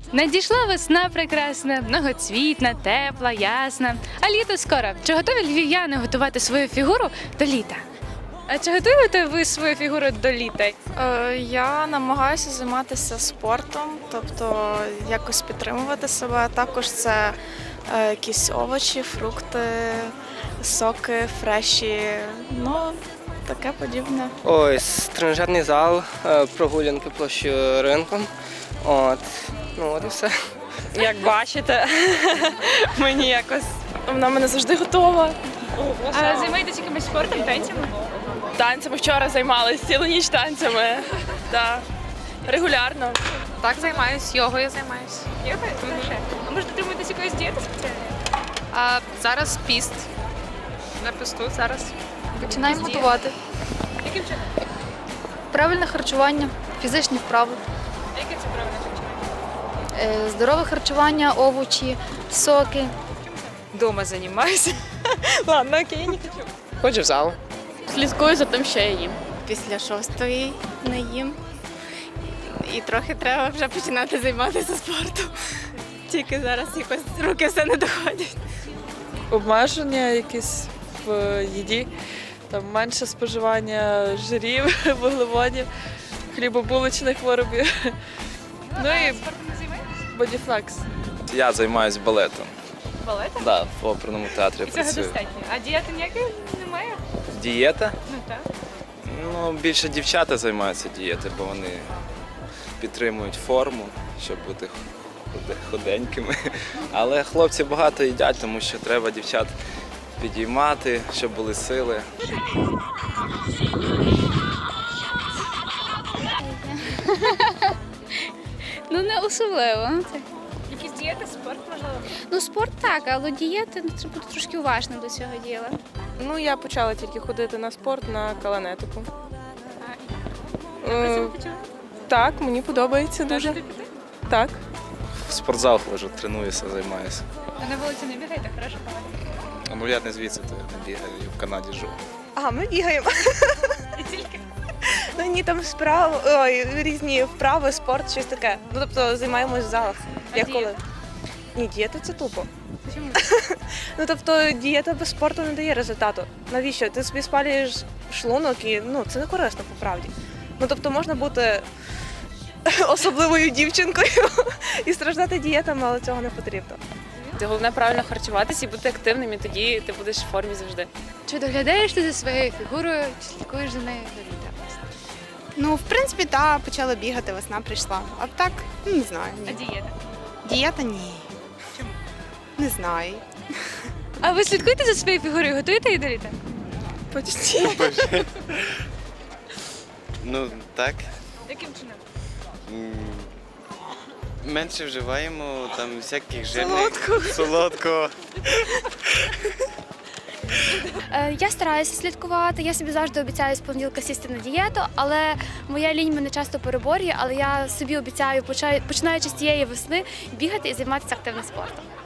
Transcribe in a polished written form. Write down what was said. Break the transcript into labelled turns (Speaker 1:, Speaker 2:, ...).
Speaker 1: Надійшла весна прекрасна, многоцвітна, тепла, ясна. А літо скоро. Чи готові львів'яни готувати свою фігуру до літа? А чи готуєте ви свою фігуру до літа?
Speaker 2: Я намагаюся займатися спортом, тобто якось підтримувати себе. Також це якісь овочі, фрукти, соки, фреші, ну таке подібне.
Speaker 3: Ось тренажерний зал, прогулянки площею ринком. Ну от і все.
Speaker 4: Як бачите, мені якось
Speaker 2: Вона мене завжди готова.
Speaker 1: А займаєтесь якимось спортом, танцями?
Speaker 2: Танцями вчора займалися, цілу ніч танцями. Да. Регулярно.
Speaker 4: так займаюсь, йогою займаюсь.
Speaker 1: Йогою? А може дотримуєтесь якоїсь дієти спеціальної?
Speaker 4: А зараз піст. На пісту зараз.
Speaker 5: Починаємо готувати.
Speaker 1: Яким чином?
Speaker 5: Правильне харчування, фізичні вправи,
Speaker 1: А яке це правильне харчування?
Speaker 5: здорове харчування, овочі, соки.
Speaker 4: Дома займаюся. Ладно, окей, не хочу.
Speaker 3: Ходжу в зал.
Speaker 2: Слідкую за тим, що я їм.
Speaker 6: Після 6-ї не їм. І трохи треба вже починати займатися спортом. Тільки зараз якось руки все не доходять.
Speaker 7: Обмеження якісь в їді, там менше споживання жирів, вуглеводів, хлібобулочних виробів. Ну і
Speaker 1: Спортом не займаєтесь?
Speaker 7: бодіфлекс.
Speaker 8: Я займаюся балетом.
Speaker 1: Балетом?
Speaker 8: Да, в оперному театрі
Speaker 1: І цього
Speaker 8: працюю.
Speaker 1: достатньо. А дієти ніякої немає?
Speaker 8: Дієта?
Speaker 1: Ну так.
Speaker 8: Ну, більше дівчата займаються дієти, бо вони підтримують форму, щоб бути худенькими. Але хлопці багато їдять, тому що треба дівчат підіймати, щоб були сили.
Speaker 9: Ну, не особливо.
Speaker 1: Якісь дієти, спорт, можливо?
Speaker 9: Ну, спорт так, але дієти треба бути трошки уважним до цього діла.
Speaker 2: Ну, я почала тільки ходити на спорт, на каланетику. Так, мені подобається дуже. Так.
Speaker 8: В спортзал ходжу, тренуюся, займаюся.
Speaker 1: А на вулиці не бігаєте, хорошо погано.
Speaker 8: Ну, я не звідси, то я не бігаю, я в Канаді живу.
Speaker 10: А, ми бігаємо.
Speaker 1: І тільки?
Speaker 10: Ну ні, там різні вправи, спорт, щось таке. Ну тобто займаємось в залах. Як коли?
Speaker 1: дієта?
Speaker 10: Ні, дієта це тупо.
Speaker 1: Чому?
Speaker 10: Ну тобто дієта без спорту не дає результату. Навіщо? Ти собі спалюєш шлунок і ну це не корисно по правді. Ну тобто можна бути особливою дівчинкою і страждати дієтами, але цього не потрібно.
Speaker 4: Головне правильно харчуватися і бути активним, і тоді ти будеш в формі завжди.
Speaker 1: Чи доглядаєш ти за своєю фігурою, чи слідкуєш за нею до літа?
Speaker 6: Ну, в принципі, так, почала бігати, весна прийшла. А так, не знаю.
Speaker 1: А
Speaker 6: Ні.
Speaker 1: дієта?
Speaker 6: Дієта ні.
Speaker 1: Чому?
Speaker 6: Не знаю.
Speaker 1: А ви слідкуєте за своєю фігурою, готуєте її до літа?
Speaker 6: Почти.
Speaker 11: Ну так.
Speaker 1: Яким чином?
Speaker 11: Менше вживаємо там всяких жирних. Солодкого.
Speaker 9: Я стараюся слідкувати, я собі завжди обіцяю з понеділка сісти на дієту, але моя лінь мене часто переборює, але я собі обіцяю, починаючи з цієї весни, бігати і займатися активним спортом.